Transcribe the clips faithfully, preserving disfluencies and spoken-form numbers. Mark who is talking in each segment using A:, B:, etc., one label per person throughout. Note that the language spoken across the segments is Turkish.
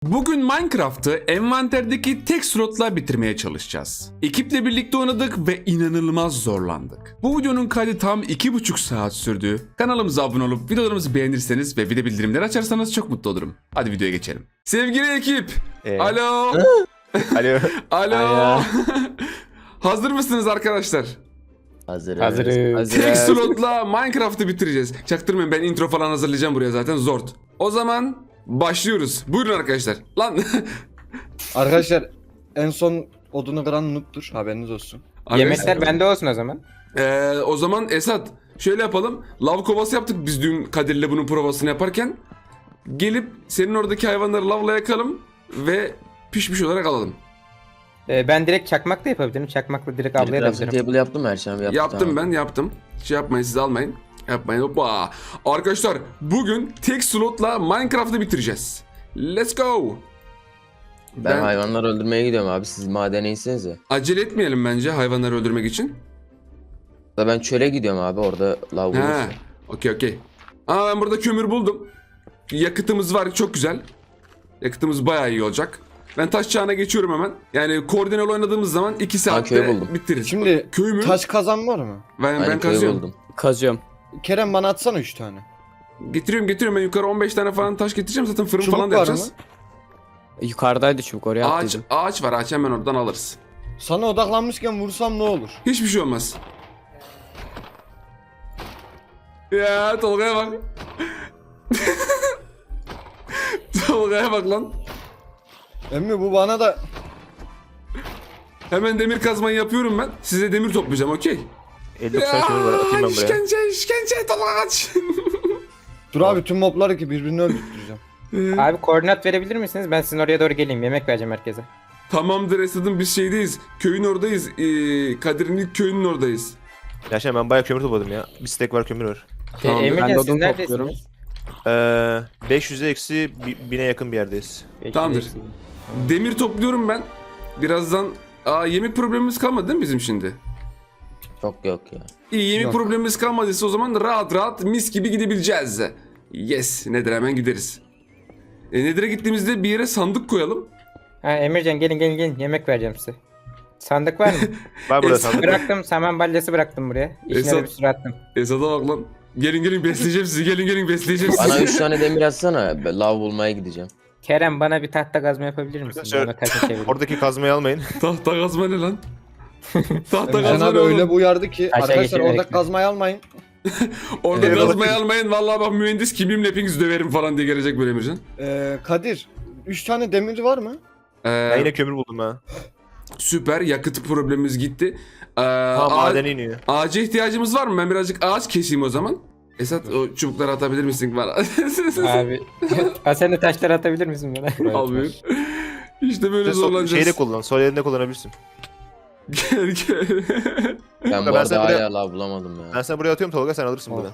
A: Bugün Minecraft'ı envanterdeki tek slotla bitirmeye çalışacağız. Ekiple birlikte oynadık ve inanılmaz zorlandık. Bu videonun kaydı tam iki buçuk saat sürdü. Kanalımıza abone olup videolarımızı beğenirseniz ve video bildirimleri açarsanız çok mutlu olurum. Hadi videoya geçelim. Sevgili ekip.
B: Ee?
A: Alo.
B: Alo.
A: Alo.
B: Alo.
A: Hazır mısınız arkadaşlar?
C: Hazırız.
B: Hazırız.
A: Tek slotla Minecraft'ı bitireceğiz. Çaktırmayın, ben intro falan hazırlayacağım buraya zaten, zor. O zaman başlıyoruz. Buyurun arkadaşlar. Lan.
D: Arkadaşlar en son odunu kıran noob'tur, haberiniz olsun.
E: Yemekler bende olsun o zaman.
A: Ee, o zaman Esat şöyle yapalım. Lav kovası yaptık biz dün Kadir'le bunun provasını yaparken. Gelip senin oradaki hayvanları lavla yakalım ve pişmiş olarak alalım.
E: Ee, ben direkt çakmak da yapabilirim. Çakmakla direkt
C: Crafting
E: avlayabilirim.
C: table yaptım her şey. Yaptım,
A: Yaptım
C: tamam.
A: ben yaptım. Şey yapmayın, siz almayın. Yapmayın. Hoppa. Arkadaşlar bugün tek slotla Minecraft'ı bitireceğiz. Let's go.
C: Ben,
A: Ben,
C: hayvanları öldürmeye gidiyorum abi. Siz madene insenize.
A: acele etmeyelim bence hayvanları öldürmek için.
C: Da ben çöle gidiyorum abi. Orada lav
A: He.
C: bulursun.
A: Okey okey. Aa, ben burada kömür buldum. Yakıtımız var, çok güzel. Yakıtımız bayağı iyi olacak. Ben taş çağına geçiyorum hemen. Yani koordineli oynadığımız zaman iki
C: köyü
A: saatte
C: buldum.
A: bitiririz.
D: Şimdi
A: köy mü?
D: taş kazan var mı?
A: Ben,
C: Ben,
A: ben
C: köyü
A: kazıyorum.
C: buldum.
F: Kazıyorum.
D: Kerem bana atsana üç tane.
A: Getiriyorum getiriyorum, ben yukarı on beş tane falan taş getireceğim, zaten fırın
D: Çubuk
A: falan da
D: var
A: yapacağız.
F: Yukarıdaydı çubuk, oraya
A: Ağaç,
F: attıydım.
A: ağaç var, ağaç hemen oradan alırız.
D: Sana odaklanmışken vursam ne olur?
A: Hiçbir şey olmaz. Ya Tolga'ya bak. Tolga'ya bak lan.
D: Emmi bu bana da...
A: Hemen demir kazmayı yapıyorum ben. Size demir toplayacağım, okey?
B: elli doksan kömür var, atayım ben buraya.
A: işkence işkence Tolga kaç.
D: Dur abi tüm mobları ki birbirini öldürteceğim.
E: Abi koordinat verebilir misiniz? Ben sizin oraya doğru geleyim. Yemek vereceğim herkese.
A: Tamamdır Esad'ım, biz şeydeyiz. Köyün oradayız. Ee, Kadir'in ilk köyünün oradayız.
B: Gerçekten ben bayağı kömür topladım ya. Bir stack var, kömür var.
A: Tamam,
E: Ee,
F: ben de
E: Emircan siz
F: odun
E: neredesiniz?
F: topluyorum.
B: Ee, beş yüze eksi bi- bine yakın bir yerdeyiz.
E: Peki,
A: Tamamdır.
E: peki.
A: Demir topluyorum ben. Birazdan... Aa, yemek problemimiz kalmadı değil mi bizim şimdi?
C: Çok yok ya.
A: İyi, yemek
D: Yok.
A: problemimiz kalmadıysa o zaman rahat rahat mis gibi gidebileceğiz. Yes, Nedir'e hemen gideriz. E, Nedir'e gittiğimizde bir yere sandık koyalım.
E: Ha, Emircan gelin gelin gelin. Yemek vereceğim size. Sandık var mı?
B: Var burada
A: Esat-
B: sandık.
E: Bıraktım. Saman balyası bıraktım buraya. İçine
A: Esat-
E: de bir sürü attım.
A: Esad'a bak lan. Gelin gelin besleyeceğim sizi, gelin gelin besleyeceğim
C: Bana
A: sizi.
C: üç tane demir atsana. Ben lav bulmaya gideceğim.
E: Kerem bana bir tahta kazma yapabilir misin?
B: Arkadaşlar,
E: Bana kaça çevirin.
B: Oradaki kazmayı almayın.
A: Tahta kazma ne lan? Tahta
D: Emrecan
A: kazma
D: abi
A: ne
D: öyle
A: oğlum?
D: bu uyardı ki
E: Aşağı
D: arkadaşlar
E: geçelim,
D: orada
E: bekle.
D: kazmayı almayın.
A: Orada
B: Evet,
A: kazmayı
B: bakayım.
A: almayın. Vallahi bak, mühendis kimliğimle hepinizi döverim falan diye gelecek böyle Emircan.
D: Ee, Kadir üç tane demir var mı?
A: Ee,
B: Ben yine kömür buldum ha.
A: süper, yakıt problemimiz gitti. Ee,
B: Ha,
A: ağa-
B: maden iniyor.
A: ağaca ihtiyacımız var mı? Ben birazcık ağaç keseyim o zaman. Esat, o çubukları atabilir misin bana?
E: Abi. Ha, sen de taşları atabilir misin bana?
A: Almıyorum. İşte böyle
B: Sen so-
A: zorlanacağız.
B: şeyde kullan, sol elinde kullanabilirsin.
A: Gel gel.
C: Ben
B: Ben
C: bu arada
B: sana buraya-
C: hala lav bulamadım
B: Ben
C: ya.
B: sana buraya atıyorum Tolga, sen alırsın
D: Of.
B: buradan.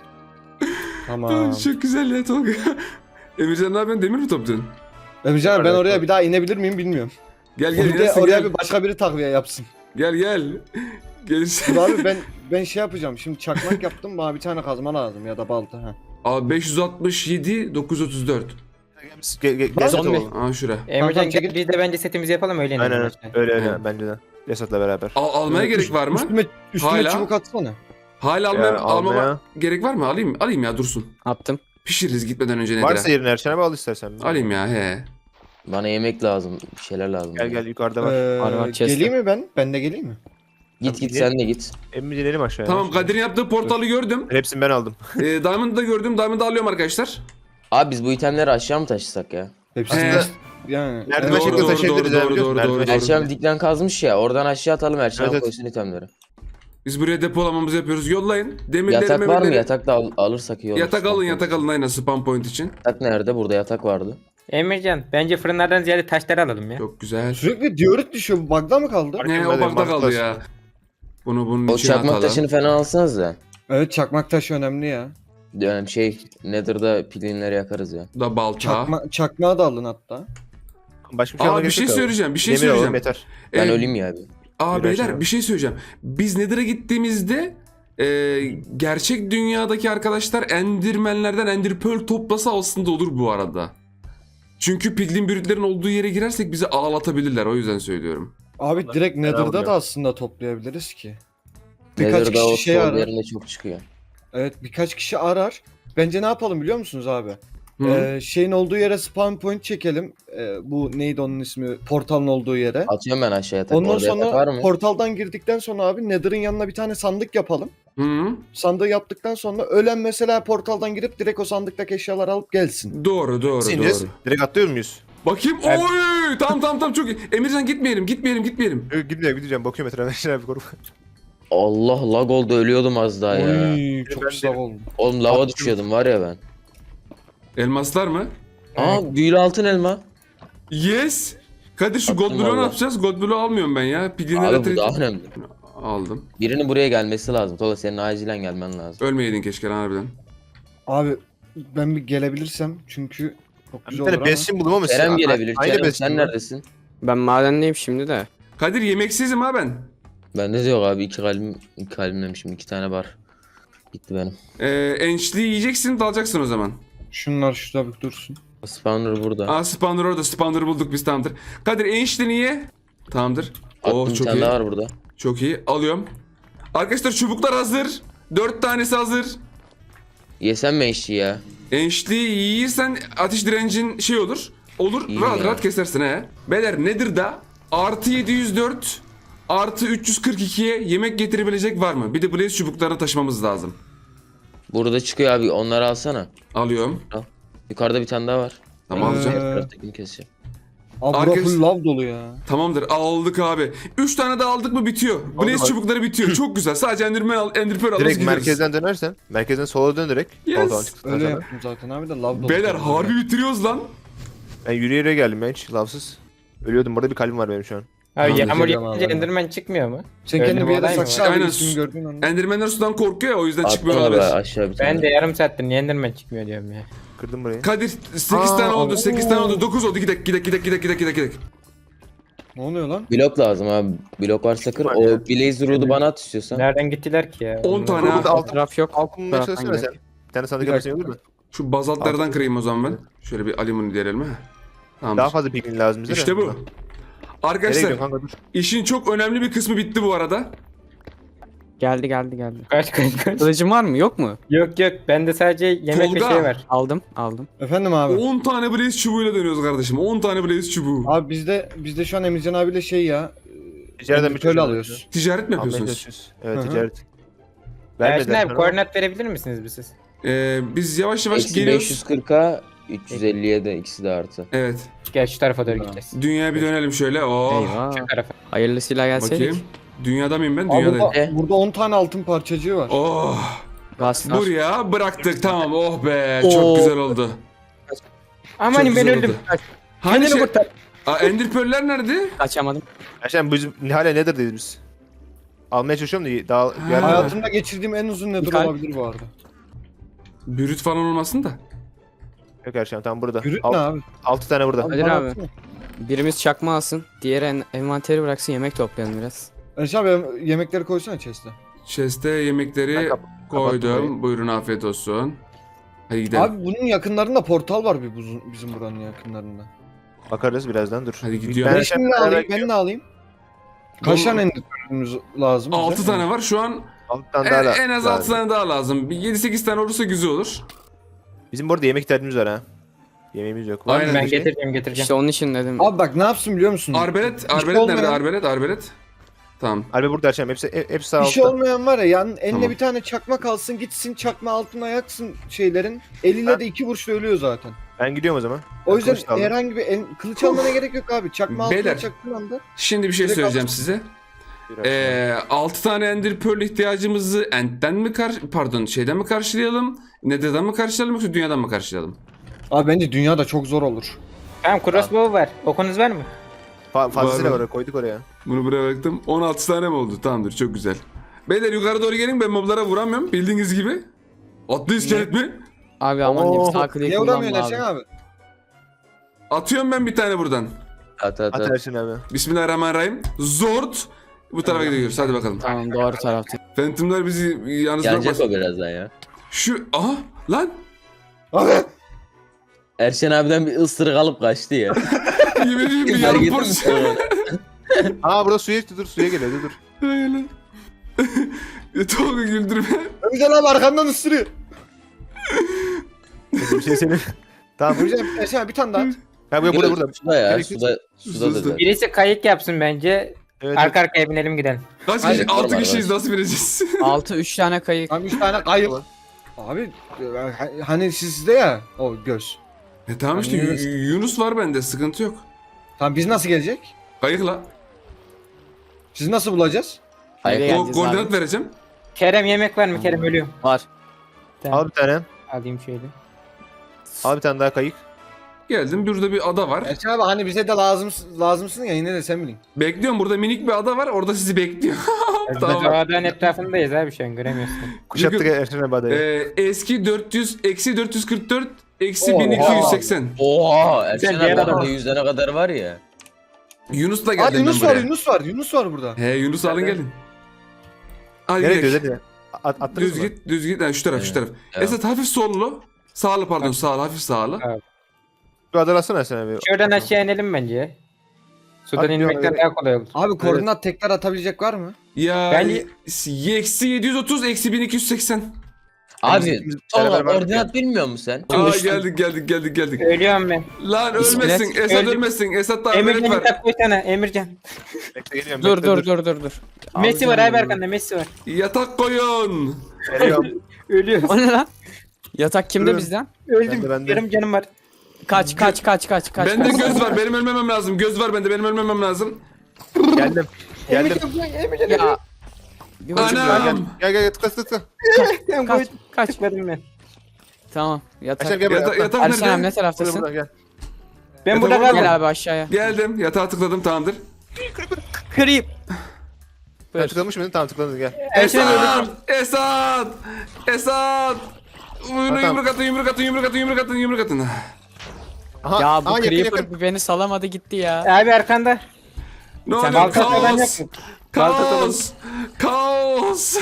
D: Tamam.
A: Çok güzel ya Tolga. Emircan ne yapıyorsun? Demir mi topluyorsun?
D: Emrecan abi ben oraya bir daha inebilir miyim bilmiyorum.
A: Gel gel
D: Bir de
A: inersin,
D: oraya
A: gel.
D: bir başka biri takviye yapsın.
A: Gel gel. Gelirsin.
D: Dur abi ben ben şey yapacağım. Şimdi çakmak yaptım, bana bir tane kazma lazım ya da balta. Ha.
A: Abi beş yüz altmış yedi dokuz yüz otuz dört.
B: Gel, gel, gel
D: Lan
B: Esat
E: zombi.
B: olalım.
A: Aa şura.
E: Emircan
D: Tamam,
E: gel
D: çekil.
E: biz de bence setimizi yapalım öyle inelim.
B: Aynen öyle,
E: aşağıya.
B: öyle öyle
A: Hı.
B: bence de. Esat'la beraber.
A: Al, almaya
D: Ee,
A: gerek
D: üst-
A: var mı?
D: Üstüme, üstüme
A: Hala?
D: çubuk atsana.
A: Hala almaya,
B: Ya,
A: almama
B: almaya.
A: gerek var mı? Alayım alayım ya, dursun.
F: Attım.
A: Pişiririz gitmeden önce
B: Varsa
A: Nedir'e.
B: yerine Erşen abi al istersen.
A: Alayım ya he.
C: Bana yemek lazım. Bir şeyler lazım.
B: Gel gel, yukarıda var.
D: Ee,
F: Var, var, chest'te.
D: geleyim mi ben? Ben de geleyim mi?
C: Git git
B: Gidelim.
C: sen de git.
B: Emmi inelim aşağıya.
A: Tamam, Kadir'in yaptığı portalı gördüm.
B: Hepsini ben aldım.
A: Ee, Diamond'ı da gördüm. Diamond'ı alıyorum arkadaşlar.
C: Abi biz bu itemleri aşağı mı taşısak ya?
D: Hepsini
A: He.
D: de- yani.
B: Merdiven
A: Doğru,
B: şeklinde
A: doğru,
B: taşıyabiliriz
A: doğru,
B: abi,
A: doğru,
B: biliyor musun?
A: doğru,
B: Merdiven
A: doğru.
B: şeklinde.
C: Erşen diklen kazmış ya. Oradan aşağı atalım. Erşen
B: Evet, evet.
C: koysun itemleri.
A: Biz buraya depolamamızı yapıyoruz. Yollayın. Demirleri
C: Yatak var mı?
A: memirleri-
C: Yatak da al- alırsak iyi olur.
A: Yatak
C: Spam
A: alın,
C: point
A: yatak
C: için.
A: alın aynen, spam point için.
C: Yatak nerede? Burada yatak vardı.
E: Emircan bence fırınlardan ziyade taşları alalım ya.
A: Çok güzel.
D: Sürekli diorit düşüyor. Bu bug'da mı kaldı?
B: Fark
A: Ne,
B: etmez,
A: o bakta
B: mantıklı
A: kaldı
B: aslında.
A: ya. Bunu bunun
C: O
A: içine
C: çakmak
A: atalım.
C: taşını falan alsanız da.
D: Evet, çakmak taşı önemli ya.
C: Yani şey Nether'da pilinleri yakarız ya.
A: Da balta.
D: Çakma, çakmağı da alın hatta.
B: Başka bir şey
A: Aa,
B: almaya
A: bir
B: gerek
A: şey
B: yok abi.
A: söyleyeceğim, bir şey
B: Demir alalım,
A: söyleyeceğim.
B: yeter.
C: Ben
A: Ee,
C: öleyim ya abi.
A: Aa
B: Bir
A: beyler,
B: aşağı.
A: bir şey söyleyeceğim. Biz Nether'a gittiğimizde e, gerçek dünyadaki arkadaşlar Endermenlerden Ender Pearl toplasa aslında olur bu arada. Çünkü piglin bürütlerin olduğu yere girersek bizi ağlatabilirler, o yüzden söylüyorum.
D: Abi direkt Nether'da
B: almıyor.
D: da aslında toplayabiliriz ki. Birkaç
C: Nether'da o
D: kişi şey
C: sol
D: arar.
C: yerinde çok çıkıyor.
D: Evet birkaç kişi arar. Bence ne yapalım biliyor musunuz abi?
A: Hı.
D: Ee, şeyin olduğu yere spawn point çekelim. Ee, bu neydi onun ismi? Portalın olduğu yere.
C: Atıyorum ben aşağıya tak.
D: Ondan
C: Orada yatak var
D: sonra
C: mı?
D: portaldan girdikten sonra abi Nether'ın yanına bir tane sandık yapalım.
A: Hı.
D: Sandığı yaptıktan sonra ölen mesela portaldan girip direkt o sandıktaki eşyaları alıp gelsin.
A: Doğru doğru
B: Nasıl ineceğiz?
A: doğru.
B: Direkt atlıyor muyuz?
A: Bakayım.
E: Evet.
A: Oy! Tamam tamam tamam çok iyi. Emircan gitmeyelim gitmeyelim gitmeyelim.
B: Yok, gideceğim gideceğim. Bakıyorum etrafa. Şuna bir korku.
C: Allah lag oldu ölüyordum az daha ya.
D: Oy çok
B: Ben
D: güzel
B: de-
D: oldu.
C: Oğlum lava düşüyordum var ya ben.
A: Elmaslar mı?
C: Aa büyülü altın elma.
A: Yes. Kadir şu
C: Attım
A: gold block'u ne
C: valla.
A: yapacağız? Gold block'u almıyorum ben ya. Piglinlere
C: Abi bu daha önemli.
A: aldım.
C: Birinin buraya gelmesi lazım. Tola senin acilen gelmen lazım.
A: Ölmeyeydin keşke lan harbiden.
D: Abi ben bir gelebilirsem çünkü çok
B: Bir
D: güzel olur
B: tane
D: ama.
B: besin buldum ama
C: Kerem gelebilir.
B: Aynı
C: Kerem
B: besin
C: sen
B: mi?
C: neredesin?
F: Ben madendeyim şimdi de.
A: Kadir yemeksizim ha ben.
C: Bende de yok abi. iki kalbim, iki kalbim demişim. iki tane var. Gitti benim.
A: Ee, ençliği yiyeceksin, dalacaksın o zaman.
D: Şunlar şurada bir dursun.
C: Spawner burada.
A: Aa spawner orada, spawner bulduk biz, tamamdır. Kadir ençliğini ye. Tamamdır.
C: Attım
A: Oh
C: bir
A: çok
C: tane
A: iyi.
C: daha var burada.
A: Çok iyi. Alıyorum. Arkadaşlar çubuklar hazır. Dört tanesi hazır.
C: Yesem mi eşi ya?
A: Ençliği yiyirsen ateş direncin şey olur. Olur.
C: İyi
A: rahat
C: ya.
A: rahat kesersin he. Beyler nedir da? Artı yedi yüz dört artı üç yüz kırk ikiye yemek getirebilecek var mı? Bir de blaze çubuklarını taşımamız lazım.
C: Burada çıkıyor abi. Onları alsana.
A: Alıyorum.
C: Yukarıda bir tane daha var.
A: Tamam
C: Ben
A: alacağım.
C: diğer taraftakini keseceğim.
D: Abi bura
A: Arkadaş-
D: full lav dolu ya.
A: Tamamdır aldık abi. Üç tane daha aldık mı bitiyor. Blaze
B: abi.
A: çubukları bitiyor. Çok güzel. Sadece enderman al, enderpearl alırız
B: Direkt
A: gideriz.
B: merkezden dönersen. Merkezden sola dön direkt.
A: Yes.
B: Soldan çıktıktan
D: Öyle
B: sonra.
D: yaptım zaten abi de lav dolu.
A: Beyler
D: tabii.
A: harbi bitiriyoruz lan.
B: Ben yürüyerek geldim ben hiç lavsız. Ölüyordum. Burada bir kalbim var benim şu an.
E: Abi
A: Tamam,
E: yağmur
D: güzel
E: yağınca
D: abi.
E: Enderman çıkmıyor mu?
D: Sen
E: Öyle
D: kendini
E: bir
D: bir yere
E: olay mı
D: sakla abi
A: Aynen.
D: ismini gördüğün anda.
A: Endermanler sudan korkuyor ya, o yüzden
C: Attım
A: çıkmıyor
C: abi
A: olabilir.
C: aşağı bir tane.
E: Ben de yarım saattir niye Enderman çıkmıyor diyorum ya.
B: Kırdım burayı.
A: Kadir sekiz
B: Aa,
A: tane oldu,
B: oo.
A: sekiz tane oldu, dokuz oldu. Gidek gidek gidek gidek gidek gidek gidek.
D: Ne oluyor lan?
C: Blok lazım abi. Blok varsa kır.
B: Var
C: O
B: ya.
C: Blaze Root'u bana at istiyorsan.
E: Nereden gittiler ki ya?
A: on tane ha.
B: Burada
F: Alt
B: altın,
F: taraf yok.
B: altın bulmaya
F: Taraftan
B: çalışsana
F: gidelim.
B: sen. Bir tane sandık
D: Bir
B: yapırsan
D: dakika.
B: olur mu?
A: Şu bazaltlardan kırayım o zaman ben. Şöyle bir alüminyum diyelim ha. Tamam.
B: Daha fazla piglin lazım bize de.
A: İşte bu.
B: Nereye
A: Arkadaşlar
B: gidiyorsun kanka dur.
A: işin çok önemli bir kısmı bitti bu arada.
F: Geldi geldi geldi.
E: Kaç kaç kaç.
F: Kılıcın var mı? Yok mu?
E: Yok yok bende sadece yemek
A: Tolga.
E: ve şey var.
F: Aldım aldım.
D: Efendim abi.
A: on tane blaze çubuğuyla dönüyoruz kardeşim. on tane blaze çubuğu.
D: Abi bizde bizde şu an Emircan abiyle şey ya.
B: Ticaretten bir
D: Böyle
B: çözüm
D: alıyoruz.
A: Ticaret mi
B: Almaya
A: yapıyorsunuz?
B: çalışıyoruz. Evet
D: Hı hı.
B: ticaret.
E: Ersin
B: Vermediler
E: abi
B: sana.
E: koordinat verebilir misiniz bir siz?
A: Ee, biz yavaş yavaş
C: Eksi
A: geliyoruz.
C: beş yüz kırka üç yüz elliye de ikisi de artı.
A: Evet.
E: Gel şu tarafa doğru gideceğiz.
A: Dünyaya bir dönelim şöyle. Oh.
F: Eyvah.
E: Şu tarafa.
F: Hayırlısıyla gelseydik.
A: Bakayım. Dünyada mıyım ben?
D: Abi
A: Dünyadayım.
D: burada,
C: E?
D: burada on tane altın parçacığı var.
A: Oh.
F: Gazlar.
A: Buraya bıraktık, tamam. Oh be, çok
F: Oo.
A: güzel oldu.
E: Amanim
A: Çok
E: ben
A: güzel
E: öldüm.
A: oldu. Hani
E: Kendini
A: şey...
E: kurtar.
A: Aa, Ender Pearl'ler nerede?
F: Kaçamadım.
B: Gerçekten biz hala Nether'dayız biz. Almaya çalışıyorum da daha bir yer
A: Ha.
D: Hayatımda geçirdiğim en uzun nedir
F: Kalp.
D: olabilir bu arada.
A: Bürüt falan olmasın da.
B: yok gerçekten tam burada.
D: Yürüt
B: Alt-
D: ne abi?
B: altı tane burada.
F: Kadir
D: bana
F: abi.
D: atsana.
F: Birimiz çakma alsın. Diğeri en envanteri bıraksın, yemek toplayalım biraz.
D: Erşan abi yemekleri koysana chest'e.
A: Chest'e yemekleri
B: Ben kap-
A: koydum.
B: kapattım
A: Buyurun, afiyet olsun. Hadi gidelim.
D: Abi bunun yakınlarında portal var bir buzun, bizim buranın yakınlarında.
B: Bakarız birazdan dur.
A: Hadi gidiyorum.
D: Ben
B: Ben
D: şimdi ne alayım? Ben ne alayım? Kaç
A: Bu-
D: tane enderpearl'ümüz lazım? bize?
A: altı tane var şu an.
B: altı tane
A: En,
B: daha la-
A: en az
B: lazım.
A: altı tane daha lazım. Bir yedi sekiz tane olursa güzel olur.
B: Bizim bu arada yemek ihtiyacımız var ha. Yemeğimiz yok. Var mı
A: Aynen.
E: Ben
B: bir şey?
E: getireceğim getireceğim.
F: İşte onun için dedim.
D: Abi bak ne yapsın biliyor musun?
A: Arbelet,
D: İşi
A: arbelet nerede?
D: olmayan-
A: Arbelet, arbelet. Tamam.
B: Harbi burada açalım. Hepsi, hep- hepsi sağ
D: İşi
B: altta.
D: olmayan var ya yani eline
A: Tamam.
D: bir tane çakma kalsın gitsin çakma altına yaksın şeylerin. Eliyle de iki vuruşla ölüyor zaten.
B: Ben gidiyorum o zaman.
D: O
B: Ben
D: yüzden
B: kılıç da aldım.
D: herhangi bir el, kılıç almana gerek yok abi. Çakma
A: Beyler.
D: altına çaktığın anda.
A: Şimdi bir şey
D: Direkt
A: söyleyeceğim
D: alsın.
A: size.
B: Bir
A: Ee, altı tane Ender Pearl ihtiyacımızı End'den mi kar pardon şeyden mi karşılayalım? Nether'dan mı karşılayalım yoksa dünyadan mı karşılayalım?
D: Abi bence dünyada çok zor olur.
E: Tamam crossbow var. Okunuz var mı?
B: Fa fazlasıyla
A: Var,
B: var. Koyduk oraya.
A: Bunu buraya bıraktım. on altı tane mi oldu? Tamamdır, çok güzel. Beyler yukarı doğru gelin, ben moblara vuramıyorum bildiğiniz gibi. Atlı iskelet mi?
F: Abi aman
B: Oo,
F: diyeyim sağ kliği
D: Niye vuramıyorsun
F: kullanma abi.
D: Erşan abi?
A: Atıyorum ben bir tane buradan.
C: At at
B: At
C: at.
B: Ersin abi.
A: Bismillahirrahmanirrahim. Zort. Bu tarafa gidiyoruz. Hadi bakalım.
F: Tamam doğru tarafta.
A: Phantom'lar bizi yalnız
C: Gelecek
A: bırakmasın.
C: o birazdan ya.
A: Şu aha lan
D: Abi
C: Erşen abiden bir ısırık alıp kaçtı ya.
A: Yemin ediyorum bir
C: Fark
A: yarım
C: ettin mi
A: porsiyon.
C: sen onu?
B: Aa burada suya dur suya geliyor dur dur.
A: Öyle. Ya Tolga güldürme.
D: Ömürcan abi arkandan ısırıyor.
B: Bir şey senin. Tamam.
D: Ömürcan Erşen abi bir tane daha at.
B: Ha burada burada burada.
C: Suda ya
B: Gerekli-
C: suda suda
A: Suda.
C: dedi.
E: Birisi kayık yapsın bence.
B: Evet.
E: Arka arkaya binelim gidelim.
A: Kaç
C: Hayır,
A: kişi? Altı
C: normal,
A: kişiyiz nasıl vereceğiz?
F: altı üç tane kayık.
D: Tam üç tane kayıp. Abi e, hani sizde ya o göz.
A: e tamam işte
D: Yunus.
A: Yu- Yunus var bende sıkıntı yok.
D: Tamam biz nasıl gelecek?
A: Kayıkla.
D: Sizi nasıl bulacağız?
C: Hayır.
F: Nereye
A: Ko-
F: geleceğiz
A: koordinat
F: abi?
A: vereceğim.
E: Kerem yemek var mı? Kerem ölüyorum.
F: Var.
B: Al bir tane.
E: Alayım şöyle.
B: Al bir tane daha kayık.
A: Geldim burada bir ada var.
D: Erşen abi hani bize de lazım lazımsın ya yine de sen bilin.
A: Bekliyorum burada minik bir ada var orada sizi bekliyor. Tamam.
E: Dağdan etrafındayız abi şu an göremiyorsun.
B: Kuşattık
A: Çünkü-
B: Erşen abi adayı.
A: Ee, eski dört yüz eksi dört yüz kırk dört eksi
D: Oha.
A: bin iki yüz seksen.
C: Oha Erşen
E: Güzel bir yer
C: abi
E: adam.
C: orada yüzüne kadar var ya.
A: Yunus'la
D: Aa
A: geldim
D: Yunus
A: ben
D: var
A: buraya.
D: Yunus var Yunus var burada.
A: He Yunus alın gelin. Hadi
B: Nereye
A: gidelim.
B: gidiyoruz hadi. At, attınız
A: Düz
B: mı?
A: git, düz git. Yani şu taraf, şu
C: Evet,
A: taraf.
C: evet.
A: Esat hafif sollu. Sağlı pardon, sağlı, hafif sağlı.
E: Evet.
B: Şu adalar atsana Erşen abi.
E: Şuradan aşağı inelim bence. Sudan
B: Hadi
E: inmekten
B: ya,
E: daha kolay olur.
D: Abi koordinat tekrar atabilecek var mı?
A: Ya
E: Ben-
A: eksi yedi yüz otuz, eksi bin iki yüz seksen.
C: Abi
B: biz
C: Tolga
B: beraber vardık
C: koordinat bilmiyor musun sen?
A: Aa
E: düştüm.
A: geldik, geldik, geldik, geldik.
E: Ölüyorum ben.
A: Lan
F: İskelet.
A: ölmesin, Esat
E: Öldüm.
A: ölmesin. Esat daha
E: Emircan
A: melek var.
E: yatak koysana Emircan.
B: Bekle geliyorum.
F: Dur
B: bekle,
F: dur dur dur dur.
E: Messi var
F: Alacağım
E: abi
F: bunu.
E: arkanda Messi var.
A: Yatak koyun.
B: Geliyorum.
E: Ölüyor.
F: O ne lan? Yatak kimde
B: Durun.
F: bizden?
B: Bende,
E: Öldüm.
B: bende.
E: Yarım canım var.
F: Kaç kaç kaç kaç kaç.
A: Bende
F: kaç.
A: göz var, benim ölmemem lazım. Göz var bende, benim ölmemem lazım.
B: Geldim. Geldim.
E: Emircan
F: Ya. Bir buçuk
A: Anam.
F: var.
B: Gel gel gel tıkla tıkla.
E: Ben
F: Kaç
E: koydum.
F: kaç.
E: Tıkladım ben.
F: Tamam yatak.
B: Erşen gel buraya.
A: Yata-
B: atla.
A: yatak
F: Erşen abi
A: nerede?
F: ne
B: Burada
F: taraftasın?
B: burada gel.
E: Ben
A: Yatak
E: burada
A: orada
E: kaldım.
F: Gel abi aşağıya.
A: Geldim, yatağa tıkladım, tamamdır.
F: Kırayım.
B: Ben
F: Buyur.
B: tıklamış mıydın? Tamam tıkladın gel.
E: Erşen
A: Esat!
E: öldürdüm.
A: Esat! Esat! Bunu
B: Tamam.
A: yumruk atın, yumruk atın, yumruk atın, yumruk atın, yumruk atın.
B: Aha,
F: Ya bu
B: aha, yakın,
F: Creeper
B: yakın.
F: bu beni salamadı gitti ya.
E: Abi arkanda.
A: Ne
F: Sen
A: oluyor?
E: Balta falan
A: Kaos!
E: yok mu?
A: Kaos! Kaos!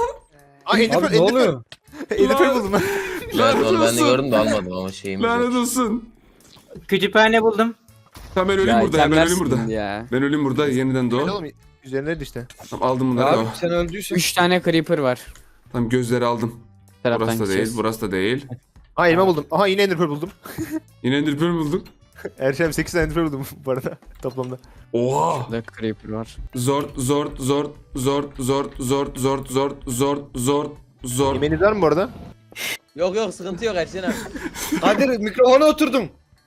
B: Aa Ender
D: Abi
B: Pearl,
D: ne
B: Ender Pearl.
D: oluyor?
B: Ender Pearl buldum ben.
C: Evet
A: Lanet
C: onu ben de
A: olsun.
C: gördüm de almadım ama şeyim.
A: Lanet olsun.
E: Kütüphane buldum.
A: Tamam ben öleyim burada, ya, ben öleyim
F: itemler
A: burada.
F: ya.
A: Ben öleyim burada, yeniden
B: Gel
A: doğ.
B: oğlum üzerineydi işte.
A: Tamam aldım bunları.
D: Abi
A: Tamam,
D: sen öldüysen.
F: üç tane Creeper var.
A: tamam gözleri aldım.
F: Taraftan
A: Burası da değil,
F: gideceğiz.
A: burası da değil.
B: Aha elma buldum. Aha yine Ender Pearl buldum.
A: Yine Ender Pearl bulduk.
B: Erşen abi sekiz tane Ender Pearl buldum bu arada toplamda.
A: Oha!
F: Burada Creeper var.
A: Zor, zor, zor, zor, zor, zor, zor, zor, zor, zor, zor.
B: Yemeğiniz var mı bu arada?
C: Yok yok sıkıntı yok Erşen abi.
D: Kadir mikrofona oturdum.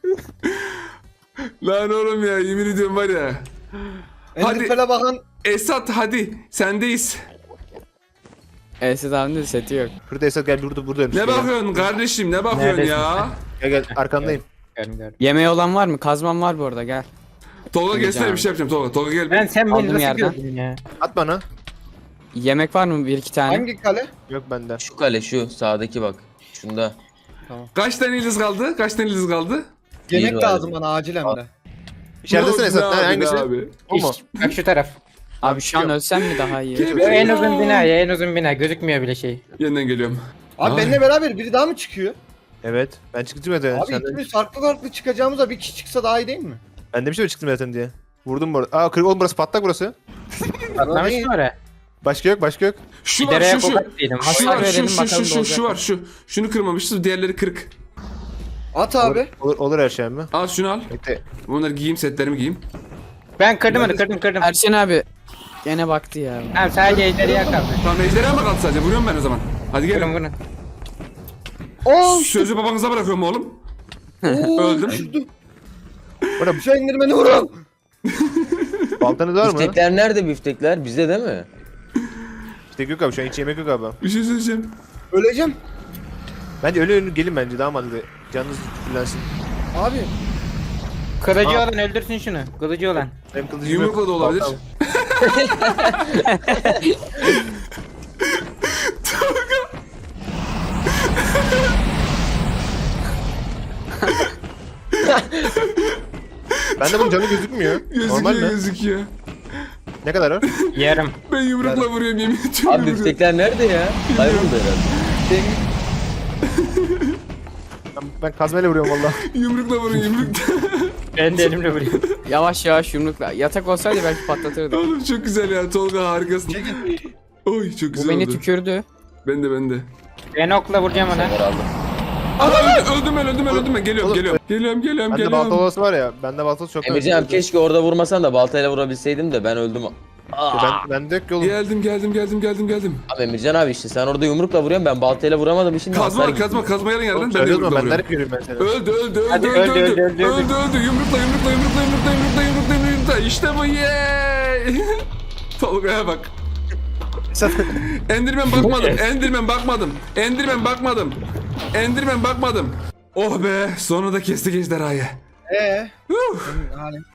A: Lan oğlum ya, yemin ediyorum var ya. Hadi.
D: Enderpearl'e bakan.
A: Esat hadi, sendeyiz.
F: Esat abinin de seti yok.
B: Şurada Esat gel burada burada ölmüş.
A: Ne
B: Gel,
A: bakıyorsun kardeşim, ne bakıyorsun
E: Neredesin
A: ya?
B: Gel gel arkandayım.
E: Gördüm gördüm.
F: Yemeği olan var mı? Kazmam var bu arada gel.
A: Tolga
F: Geleceğim
A: gelsene bir
F: abi.
A: şey yapacağım Tolga. Tolga gel.
E: Ben sen beni
F: Aldım
E: nasıl
F: yerden.
E: gördün ya?
B: At bana.
F: Yemek var mı? Bir iki tane.
D: Hangi kale?
B: Yok bende.
C: Şu kale şu sağdaki bak. Şunda.
A: Kaç tane iliz kaldı? Kaç tane iliz kaldı?
D: Yemek
C: var.
D: lazım bana acil hem de.
B: İçeridesin
A: Ne
B: Esat.
A: oldu
B: Ha,
A: abi,
B: hangisi?
A: ne abi?
B: O mu?
E: İş, bak şu taraf.
F: Abi şu an ölsem mi daha iyi?
E: O en uzun bina ya en uzun bina gözükmüyor bile şey.
A: Yeniden geliyorum.
D: Abi
A: Ay.
D: benimle beraber biri daha mı çıkıyor?
B: Evet. Ben çıktım zaten.
D: Abi
B: Senden-
D: ikimiz farklı farklı çıkacağımızda bir kişi çıksa daha iyi değil mi?
B: Ben demiştim ya çıktım zaten diye. Vurdum bu arada. Aa kırık oğlum burası patlak burası.
E: Patlamış
D: iyi.
E: mı oraya?
B: Başka yok başka yok.
A: Şu
E: Bir
A: var,
E: dereye
A: şu şu.
E: kokat değilim.
A: Şu
F: Hasar
A: var, şu
F: verelim
A: şu
F: bakalım
A: şu şu
F: dolacak
A: şu
F: mı?
A: var, şu. Şunu kırmamışız, diğerleri kırık.
D: At abi.
B: Olur, olur her şey mi?
A: Al şunu al.
B: Bekle.
A: Bunları giyeyim, setlerimi giyeyim.
E: Ben kırdım onu kırdım kırdım.
F: Erşen abi. Gene baktı ya.
E: Tamam sadece ejderha kaldı.
A: Tamam ejderha mı kaldı sadece? Vuruyorum ben o zaman. Hadi
E: Vurun
A: gelin.
E: vurun.
D: Oo
A: Sözü babanıza bırakıyorum oğlum.
D: Oo,
A: Öldüm.
D: düşürdüm.
B: Bana
D: Şu indirmeni vurun.
B: baltanız var mı?
C: Biftekler nerede biftekler? Bizde değil mi?
B: İşte yok abi şu an hiç yemek yok abi.
A: Bir şey söyleyeceğim.
D: Öleceğim.
B: Bence öyle öyle gelin bence daha mantıklı. Canınız fullensin.
D: Abi.
E: Kılıcı
B: Aa.
E: olan öldürsün şunu. Kılıcı olan.
B: Benim kılıcım
A: Yumrukla
B: yok.
A: da olabilir.
B: Baltam. Bende bunun canı gözükmüyor. Normal
A: Gözüküyor,
B: mi?
A: gözüküyor.
B: Ne kadar var?
E: Yarım.
A: Ben yumrukla vuruyorum yemin ediyorum.
C: Abi biftekler nerede ya? Kayboldu herhalde.
B: Ben kazmayla vuruyorum valla.
A: Yumrukla vurun yumrukla.
E: Ben de elimle vuruyorum.
F: Yavaş yavaş yumrukla. Yatak olsaydı belki patlatırdı.
A: Oğlum çok güzel ya Tolga harikasın. Oy çok
F: Bu
A: güzel
F: beni
A: oldu.
F: tükürdü.
A: Ben de ben de.
E: Ben okla vuracağım ona.
C: Sefer aldım.
A: Adam öldüm ben öldüm ben öldüm ben geliyorum
B: Oğlum,
A: geliyorum. Geliyorum geliyorum
B: Bende
A: geliyorum.
B: balta olası var ya. Bende balta çok
C: Emircan abi keşke orada vurmasan da baltayla vurabilseydim de ben öldüm. Aa.
B: Ben, ben de yok ki oğlum.
A: Geldim geldim geldim geldim geldim.
C: Abi Emircan abi işte sen orada yumrukla vuruyorsun ben baltayla vuramadım şimdi
A: Kazma
C: hasar
A: var kazma kazma yarın yarın
B: Oğlum
A: ben de
B: söylüyorum
A: yumrukla
B: ben de
A: vuruyorum.
B: hep görüyorum ben seni.
A: Öldü öldü öldü
E: Hadi
A: öldü
E: öldü,
A: öldü
E: öldü,
A: öldü
E: öldü, öldü.
A: öldü yumrukla yumrukla yumrukla yumrukla yumrukla yumrukla yumrukla işte bu yeee. Tolga'ya bak. Endirmen bakmadım Endirmen bakmadım Endirmen bakmadım Endirmen bakmadım. Oh be sonunda kestik ejderhayı.
D: Eee?
A: Huh.
D: Halen